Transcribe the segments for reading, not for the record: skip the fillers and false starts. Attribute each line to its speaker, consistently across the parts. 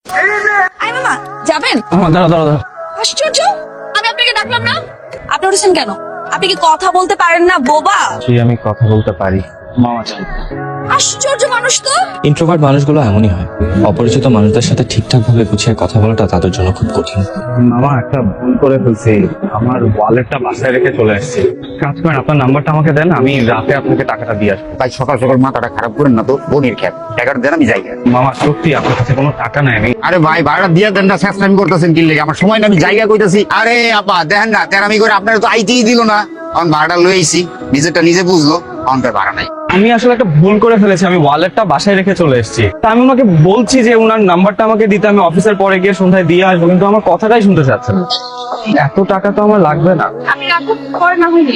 Speaker 1: I মামা যাবেন?
Speaker 2: দাঁড়া দাঁড়া দাঁড়া।
Speaker 1: আশ্চর্য, আমি আপনাকে ডাকলাম না, আপনি উঠেছেন কেন? আপনি কি কথা বলতে পারেন না বোবা?
Speaker 2: আমি কথা বলতে পারি। মামা চাই।
Speaker 1: আশ্চর্য মানুষ তো।
Speaker 3: ইন্ট্রোভার্ট মানুষগুলো এমনই হয়, অপরিচিত মানুষদের সাথে ঠিকঠাক ভাবে গুছিয়ে কথা বলাটা তাদের জন্য খুব কঠিন।
Speaker 2: মামা একটা ভুল করে ফেলছি, আমার ওয়ালেটটা বাসায় রেখে চলে আসছি। কাজ করেন, আপনার নাম্বারটা আমাকে দেন, আমি রাতে আপনাকে টাকাটা দিয়ে আসবো।
Speaker 4: ভাই সকাল সকাল মাথাটা খারাপ করেন না তো, বোনের খ্যাপ টাকাটা দেন আমি যাই।
Speaker 2: মামা সত্যি আপনার কাছে কোনো টাকা নাই? আমি
Speaker 4: আরে ভাই ভাড়া দিয়ে দেন না, শেষটাইম করতেছেন কি লেগে? আমার সময় না, আমি জায়গা কইতাছি। আরে আপা দেখেন না, তেরামি করে আপনারা তো আইতেই দিল না। এখন ভাড়াটা লয়ে আইছি, নিজেরটা নিজে বুঝলো, এখন তার ভাড়া নাই।
Speaker 2: আমি আসলে একটা ভুল করে ফেলেছি, আমি ওয়ালেটটা বাসায় রেখে চলে এসেছি। তা আমি ওনাকে বলছি যে ওনার নাম্বারটা আমাকে দিতে, আমি অফিসের পরে গিয়ে সন্ধ্যায় দিয়ে আসবো, কিন্তু আমার কথাটাই শুনতে চাচ্ছে না। এত টাকা তো আমার লাগবে না।
Speaker 1: আমি রাখুন পরে না হইনি।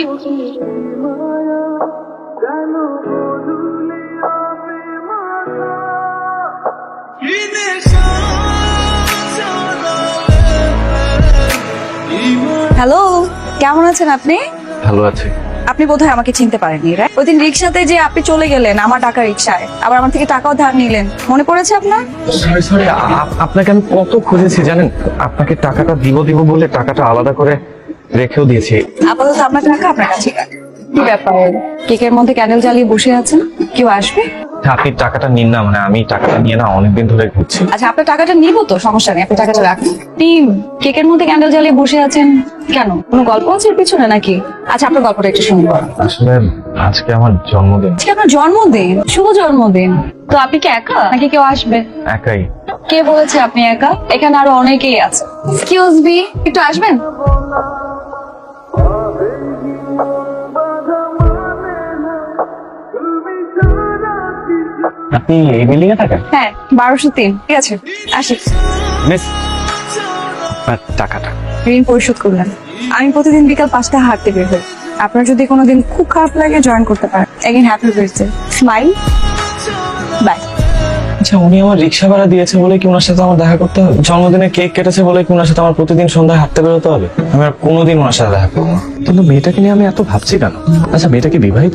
Speaker 1: হ্যালো, কেমন আছেন আপনি?
Speaker 2: ভালো আছে।
Speaker 1: আপনি বোধহয় আমাকে চিনতে পারেননি, রাইট? ওই দিন রিক্সাতে যে আপনি চলে গেলেন আমার টাকা রিক্সায়, আবার আমার থেকে টাকাও ধার নিলেন, মনে পড়েছে আপনার?
Speaker 2: সরি সরি, আপনাকে আমি কত খুঁজেছি জানেন। আপনাকে টাকাটা দিব দিব বলে টাকাটা আলাদা করে রেখেও দিয়েছি।
Speaker 1: আপাতত আপনার টাকা আপনার কাছে রাখেন। কি ব্যাপার, কেকের মধ্যে ক্যান্ডেল জ্বালিয়ে বসে আছেন, কেউ আসবে?
Speaker 2: আপনি টাকাটা নিন না, মানে আমি টাকাটা নিয়ে না অনেকদিন ধরে ঘুরছি।
Speaker 1: আচ্ছা, আপনার টাকাটা নিব তো, সমস্যা নেই, আপনি টাকাটা রাখুন। টিম, কেকের মধ্যে ক্যান্ডেল জ্বালিয়ে বসে আছেন কেন? কোনো গল্প আছে এর পিছনে নাকি? আচ্ছা, আপনার গল্পটা একটু শুনবো।
Speaker 2: আসলে আজকে আমার জন্মদিন।
Speaker 1: আজকে আপনার জন্মদিন? শুভ জন্মদিন। তো আপনি কি একা নাকি কেউ আসবে?
Speaker 2: একাই।
Speaker 1: কে বলেছে আপনি একা? এখানে আরো অনেকেই আছে। এক্সকিউজ মি, একটু আসবেন?
Speaker 2: আপনি এই বিল্ডিং এ থাকেন?
Speaker 1: হ্যাঁ, 1203। ঠিক আছে, আসি।
Speaker 2: মিস, আপনার টাকাটা।
Speaker 1: ঋণ পরিশোধ করলেন। আমি প্রতিদিন বিকাল 5টায় হাঁটতে বের হই। আপনার যদি কোনোদিন খুব খারাপ লাগে জয়েন করতে পারেন। Again happy birthday. Smile. Bye.
Speaker 3: আচ্ছা, উনি আমার রিক্সা ভাড়া দিয়েছে বলে কি ওনার সাথে আমার দেখা করতে হবে? জন্মদিনে কেক কেটেছে বলে কি ওনার সাথে আমার প্রতিদিন সন্ধ্যায় হাঁটতে বেরোতে হবে? আমি আর কোনোদিন ওনার সাথে দেখা করবো না। কিন্তু মেয়েটাকে নিয়ে আমি এত ভাবছি কেন? আচ্ছা, মেয়েটা কি বিবাহিত?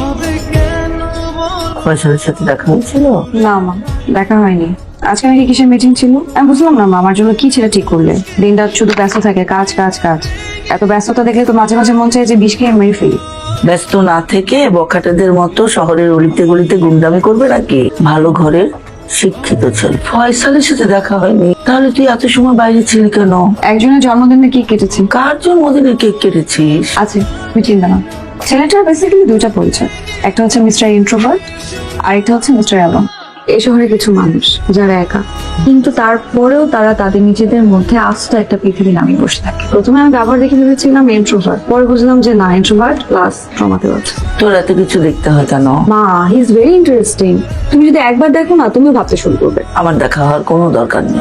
Speaker 5: ফয়সালের সাথে দেখা হয়েছিল?
Speaker 1: না মা, দেখা হয়নি। আজকে নাকি কিসের মিটিং ছিল? আমি বুঝলাম না মা, আমার জন্য কি ছেলে ঠিক করলে? দিন রাত শুধু ব্যস্ত থাকে, কাজ কাজ কাজ। এত ব্যস্ততা দেখলে তো মাঝে মাঝে মন চায় যে বিষ খেয়ে মেরে ফেলি।
Speaker 5: ব্যস্ত না থেকে বখাটেদের মতো শহরের অলিতে গলিতে গুন্ডামি করবে নাকি? ভালো ঘরের শিক্ষিত ছেলে। ফয়সালের সাথে দেখা হয়নি? তাহলে তুই এত সময় বাইরে ছিলি কেন?
Speaker 1: একজনের জন্মদিনে কি কেটেছি।
Speaker 5: কার জন্মদিনে কেক কেটেছিস?
Speaker 1: আছে, তুমি চিন্তা না। ছেলেটার বেসিক্যালি দুইটা পরিচয়, একটা হচ্ছে মিস্টার ইন্ট্রোভার্ট, আর একটা হচ্ছে মিস্টার অ্যালন। এই শহরে কিছু মানুষ যারা একা, কিন্তু তারপরেও তারা তাদের নিজেদের মধ্যে আস্ত একটা পৃথিবী নামিয়ে বসে থাকে। প্রথমে আমি ব্যবহার দেখে ভেবেছিলাম ইন্ট্রোভার্ট, পরে বুঝলাম যে না, ইন্ট্রোভার্ট প্লাস ট্রমাতে আছে।
Speaker 5: তোর এত কিছু দেখতে হয় কেন?
Speaker 1: মা, হি ইজ ভেরি ইন্টারেস্টিং। তুমি যদি একবার দেখো না, তুমিও ভাবতে শুরু করবে।
Speaker 5: আমার দেখা হওয়ার কোনো দরকার নেই।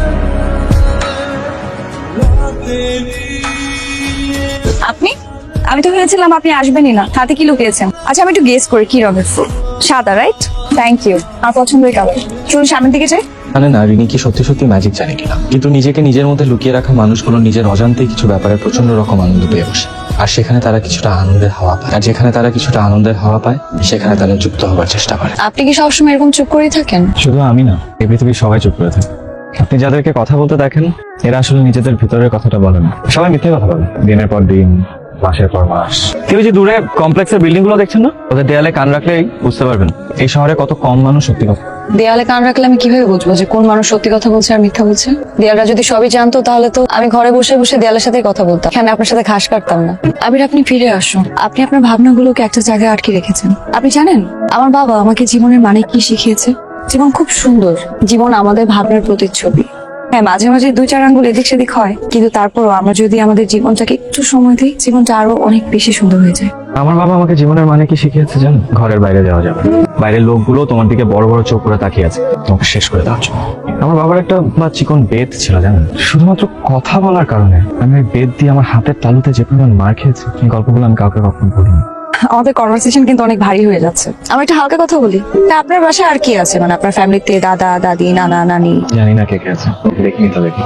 Speaker 1: আপনি? আমি তো ভেবেছিলাম আপনি আসবেনই না। হাতে কি লুকিয়েছেন? আচ্ছা, আমি একটু গেস করি কি রঙের ফুল। সাদা, রাইট? থ্যাংক ইউ, আমার পছন্দের কালার। চলুন সামনের দিকে যাই।
Speaker 3: জানে না রিনি কি সত্যি সত্যি ম্যাজিক জানে কিনা, কিন্তু নিজেকে নিজের মধ্যে লুকিয়ে রাখা মানুষগুলো নিজের অজান্তেই কিছু ব্যাপারে প্রচন্ড রকম আনন্দ পেয়ে বসে। আর সেখানে তারা কিছুটা আনন্দের হাওয়া পায়, আর যেখানে তারা কিছুটা আনন্দের হাওয়া পায় সেখানে তারা যুক্ত হবার চেষ্টা করে।
Speaker 1: আপনি কি সবসময় এরকম চুপ করেই থাকেন?
Speaker 3: শুধু আমি না, এই পৃথিবীর সবাই চুপ করে থাকে। আপনি যাদেরকে কথা বলতে দেখেন এরা আসলে নিজেদের ভিতরের কথাটা বলেন। সবাই মিথ্যে কথা বলে, দিনের পর দিন, মাসের পর মাস। কেউ যে দূরে কমপ্লেক্সের বিল্ডিং গুলো দেখছেন না, ওদের দেয়ালে কান রাখলেই বুঝতে পারবেন এই শহরে কত কম মানুষ সত্যি কথা।
Speaker 1: দেয়ালে কান রাখলে আমি কিভাবে বুঝবো যে কোন মানুষ সত্যি কথা বলছে আর মিথ্যা বলছে? দেয়ালরা যদি সবই জানতো তাহলে তো আমি ঘরে বসে বসে দেয়ালের সাথে কথা বলতাম, এখানে আপনার সাথে ঘাস কাটতাম না। আবির, আপনি ফিরে আসুন। আপনি আপনার ভাবনাগুলোকে একটা জায়গায় আটকে রেখেছেন। আপনি জানেন আমার বাবা আমাকে জীবনের মানে কি শিখিয়েছে? জীবন খুব সুন্দর, জীবন আমাদের ভাবনার প্রতিচ্ছবি। হ্যাঁ, মাঝে মাঝে 2-4 আঙ্গুল এদিক সেদিক হয়, কিন্তু তারপরও আমরা যদি আমাদের জীবনটাকে একটু সময় দিই, জীবনটা আরো অনেক বেশি সুন্দর হয়ে যায়।
Speaker 3: আমার বাবা আমাকে জীবনের মানে কি শিখিয়েছে জানেন? ঘরের বাইরে যাওয়া যাবে, বাইরের লোকগুলো তোমার দিকে বড় বড় চোখ করে তাকিয়ে আছে তোমাকে শেষ করে দেওয়ার জন্য। আমার বাবার একটা চিকন বেত ছিল জানেন, শুধুমাত্র কথা বলার কারণে আমি ওই বেত দিয়ে আমার হাতের তালুতে যে পরিমাণ মার খেয়েছি, এই গল্পগুলো আমি কাউকে কখনো বলিনি।
Speaker 1: আমাদের কনভারসেশন কিন্তু অনেক ভারী হয়ে যাচ্ছে। আমি একটা হালকা কথা বলি। তা আপনার বাসায় আর কি আছে? মানে আপনার ফ্যামিলিতে দাদা দাদি নানা নানি?
Speaker 3: জানি না কে কে আছে, দেখিনি তো দেখি।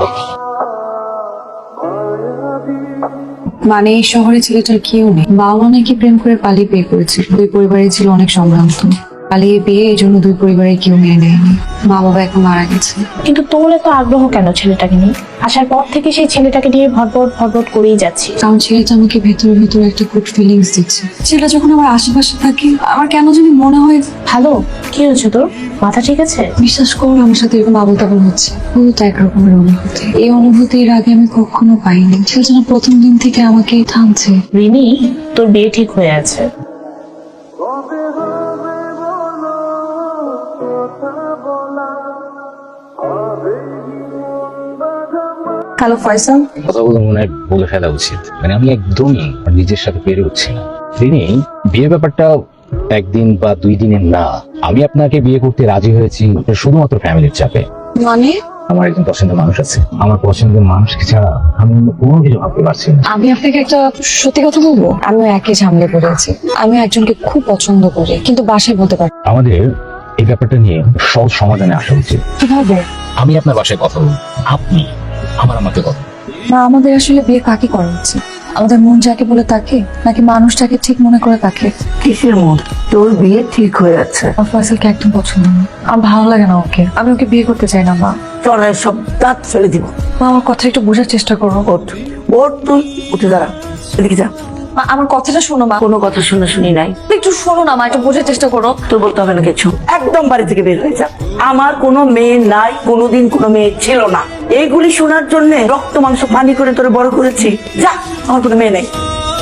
Speaker 1: মানে এই শহরে ছেলেটার কেউ নেই। বাবা মা নাকি প্রেম করে পালিয়ে বিয়ে করেছিল। দুই পরিবারে ছিল অনেক সম্ভ্রান্ত। পালিয়ে বিয়ে, এই জন্য দুই পরিবারের কেউ মেনে নেয়নি। মা বাবা এখন মারা গেছে।
Speaker 6: কিন্তু তোর এত আগ্রহ কেন ছেলেটাকে নিয়ে? আসার পর থেকে সেই ছেলেটাকে নিয়ে ভরভর করেই যাচ্ছি।
Speaker 1: কারণ ছেলেটা আমাকে ভেতরে ভেতরে একটা গুড ফিলিংস দিচ্ছে। ছেলেটা যখন আমার আশেপাশে থাকে আমার কেন জানি মনে হয়
Speaker 6: ভালো। কি হয়েছে তোর? মাথা ঠিক আছে?
Speaker 1: বিশ্বাস করো আমার সাথে এরকম আবল তাবল হচ্ছে। বহুত একরকমের অনুভূতি। এই অনুভূতির আগে আমি কখনো পাইনি। ছেলেটা না প্রথম দিন থেকে আমাকে থামছে।
Speaker 6: রিনি, তোর বিয়ে ঠিক হয়ে আছে।
Speaker 1: হ্যালো ফয়সাল।
Speaker 7: কথাগুলো মনে হয় বলে ফেলা উচিত। মানে আমি একদমই আমার নিজের সাথে পেরে উঠছি না। তিনি বিয়ের ব্যাপারটা একদিন বা 2 দিনের না। আমি আপনাকে বিয়ে করতে রাজি হয়েছি শুধুমাত্র ফ্যামিলির চাপে।
Speaker 1: মানে
Speaker 7: আমার একজন পছন্দের মানুষ আছে। আমার পছন্দের মানুষকে ছাড়া আমি অন্য কোনো কিছু ভাবতে পারছি না।
Speaker 1: আমি আপনাকে একটা সত্যি কথা বলবো, আমিও একই ঝামেলা পড়েছি। আমি একজনকে খুব পছন্দ করি কিন্তু বাসায় বলতে পারি।
Speaker 7: আমাদের এই ব্যাপারটা নিয়ে সহজ সমাধানে আসা উচিত।
Speaker 1: কিভাবে?
Speaker 7: আমি আপনার বাসায় কথা বলবো, আপনি আমাকে কথা বলুন।
Speaker 1: না, আমাদের আসলে বিয়ে কাকে করা উচিত? আমাদের মন যাকে বলে তাকে, নাকি মানুষটাকে ঠিক মনে করে তাকে?
Speaker 5: কিসের মন? তোর বিয়ে ঠিক হয়ে আছে।
Speaker 1: আমার ফয়সালকে একদম পছন্দ না। আমার ভালো লাগে না ওকে। আমি ওকে বিয়ে করতে চাই না মা।
Speaker 5: চড়ায় সব দাঁত ফেলে দিব।
Speaker 1: মা, আমার কথা একটু বোঝার চেষ্টা করো।
Speaker 5: ওঠ ওঠ, তুই উঠে দাঁড়া, এদিকে যা।
Speaker 1: মা, আমার কথাটা শোনো মা।
Speaker 5: কোনো কথা শুনি নাই।
Speaker 1: একটু শোনো না মা, একটু বোঝার চেষ্টা করো।
Speaker 5: তোর বলতে হবে না কিছু। একদম বাড়ি থেকে বের হয়ে যা। আমার কোনো মেয়ে নাই, কোনোদিন কোনো মেয়ে ছিল না। এইগুলি শোনার জন্য রক্ত মাংস পানি করে তোরে বড় করেছি। যা, আমার কোনো মেয়ে নেই।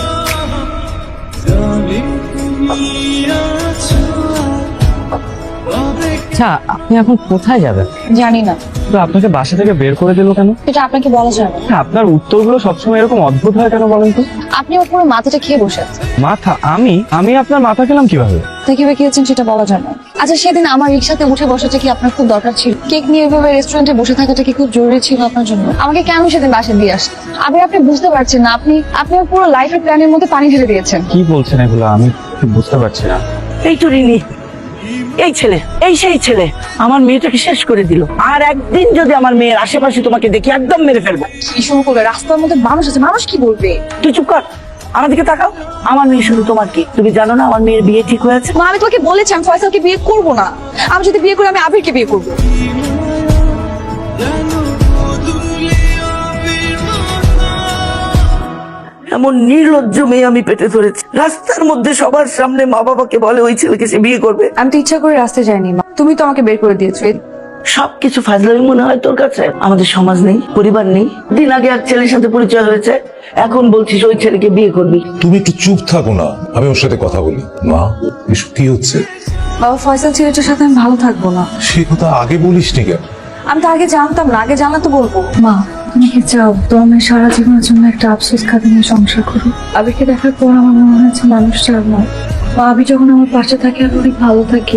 Speaker 3: আচ্ছা, আপনি এখন কোথায় যাবেন?
Speaker 1: জানি না,
Speaker 3: তো আপনাকে বাসা থেকে বের করে দিল কেন?
Speaker 1: এটা আপনাকে বলা যাবে না।
Speaker 3: আপনার উত্তরগুলো সবসময় এরকম অদ্ভুত হয় কেন বলেন তো?
Speaker 1: আপনি ওর পুরো মাথাটা খেয়ে বসে আছেন।
Speaker 3: মাথা? আমি আপনার মাথা খেলাম কিভাবে?
Speaker 1: তা কিভাবে খেয়েছেন সেটা বলা যায় না। আচ্ছা, সেদিন আমার রিক্সাতে উঠে বসাটা কি আপনার খুব দরকার ছিল? কেক নিয়ে এভাবে রেস্টুরেন্টে বসে থাকাটা কি খুব জরুরি ছিল আপনার জন্য? আমাকে কেন সেদিন বাসায় দিয়ে আসলেন? আপনি বুঝতে পারছেন না। আপনি ওর পুরো লাইফের প্ল্যানের মধ্যে পানি ঢেলে দিয়েছেন।
Speaker 3: কি বলছেন এগুলো? আমি ঠিক বুঝতে পারছি না।
Speaker 5: এই তো রিনি, এই ছেলে, এই সেই ছেলে আমার মেয়েটাকে শেষ করে দিল। আর একদিন যদি আমার মেয়ের আশেপাশে তোমাকে দেখি একদম মেরে ফেলবো।
Speaker 1: কি শুরু করবে? রাস্তার মধ্যে মানুষ আছে, মানুষ কি বলবে?
Speaker 5: তুই চুপ কর, আমার দিকে তাকাও। আমার মেয়ে শুধু তোমার কি? তুমি জানো না আমার মেয়ের বিয়ে ঠিক হয়েছে?
Speaker 1: মা, আমি তোমাকে বলেছি আমি ফয়সালকে বিয়ে করব না। আমি যদি বিয়ে করি আমি আবিরকে বিয়ে করব।
Speaker 5: এমন নির্লজ্জ মেয়ে আমি পেটে ধরেছি। রাস্তার মধ্যে সবার সামনে মা বাবাকে বলে ওই ছেলেকে সে বিয়ে করবে।
Speaker 1: আমি তো ইচ্ছা করে রাস্তায় যাইনি মা, তুমি তো আমাকে বের করে দিয়েছো।
Speaker 5: সবকিছু ফাজলামি মনে হয় তোর কাছে? আমাদের সমাজ নেই, পরিবার নেই। দিন আগে এক ছেলের সাথে পরিচয় হয়েছে, এখন বলছিস ওই ছেলেকে বিয়ে করবি।
Speaker 8: তুমি একটু চুপ থাকো না, আমি ওর সাথে কথা বলি। মা, এসব কি হচ্ছে?
Speaker 1: বাবা, ফয়সাল ছেলেটার সাথে আমি ভালো থাকবো না।
Speaker 8: সে কথা আগে বলিসনি কেন?
Speaker 1: আমি তো আগে জানতাম না, আগে জানলে তো বলবো। মা, তুমি কি চাও তো আমি সারা জীবনের জন্য একটা আফসোস খাতে নিয়ে সংসার করি? আবিরকে দেখার পর আমার মনে হয়েছে মানুষটা আর নয়। মা, আবি যখন আমার পাশে থাকে আমি অনেক ভালো থাকি।